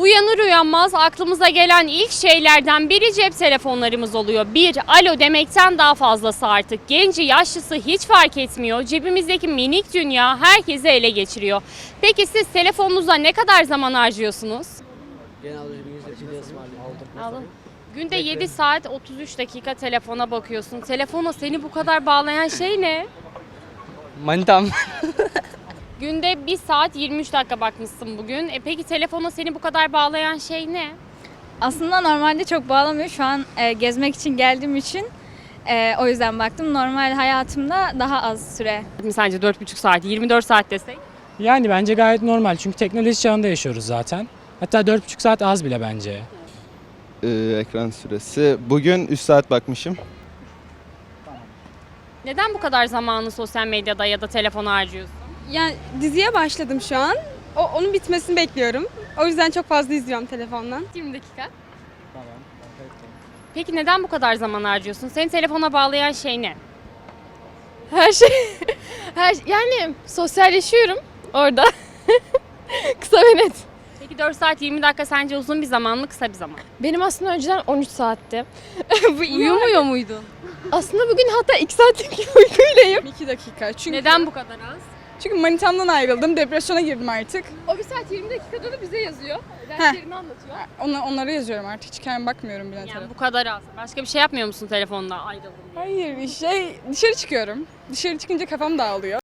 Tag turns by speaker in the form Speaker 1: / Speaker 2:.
Speaker 1: Uyanır uyanmaz aklımıza gelen ilk şeylerden biri cep telefonlarımız oluyor. Bir, alo demekten daha fazlası artık. Genci, yaşlısı hiç fark etmiyor. Cebimizdeki minik dünya herkesi ele geçiriyor. Peki siz telefonunuza ne kadar zaman harcıyorsunuz?
Speaker 2: Genelde bir ısmarlayalım.
Speaker 1: Alın. Günde 7 saat 33 dakika telefona bakıyorsun. Telefona seni bu kadar bağlayan şey ne?
Speaker 2: Manitam.
Speaker 1: Günde 1 saat 23 dakika bakmışsın bugün. Peki telefona seni bu kadar bağlayan şey ne?
Speaker 3: Aslında normalde çok bağlamıyor. Şu an gezmek için geldiğim için o yüzden baktım. Normal hayatımda daha az süre.
Speaker 1: Sence 4,5 saat, 24 saat desek?
Speaker 4: Yani bence gayet normal çünkü teknoloji çağında yaşıyoruz zaten. Hatta 4,5 saat az bile bence.
Speaker 5: Ekran süresi. Bugün 3 saat bakmışım.
Speaker 1: Neden bu kadar zamanı sosyal medyada ya da telefona harcıyorsun?
Speaker 6: Yani diziye başladım şu an. Onun bitmesini bekliyorum. O yüzden çok fazla izliyorum telefondan.
Speaker 1: 20 dakika. Peki neden bu kadar zaman harcıyorsun? Seni telefona bağlayan şey ne?
Speaker 7: Her şey, yani sosyalleşiyorum orada. Kısa ve net.
Speaker 1: Peki 4 saat 20 dakika sence uzun bir zaman mı, kısa bir zaman?
Speaker 7: Benim aslında önceden 13 saatti.
Speaker 1: Uyumuyor muydun?
Speaker 7: Aslında bugün hatta 2 saatlik bir uykuyleyim.
Speaker 6: 2 dakika. Çünkü
Speaker 1: Neden bu kadar az?
Speaker 6: Çünkü manitamdan ayrıldım. Depresyona girdim artık.
Speaker 7: O 1 saat 20 dakikada da bize yazıyor. Derslerini anlatıyor.
Speaker 6: Onları yazıyorum artık. Hiç kendim bakmıyorum bile
Speaker 1: Yani
Speaker 6: telefona.
Speaker 1: bu kadar az. Başka bir şey yapmıyor musun telefonla ayrıldın diye?
Speaker 6: Hayır, dışarı çıkıyorum. Dışarı çıkınca kafam dağılıyor.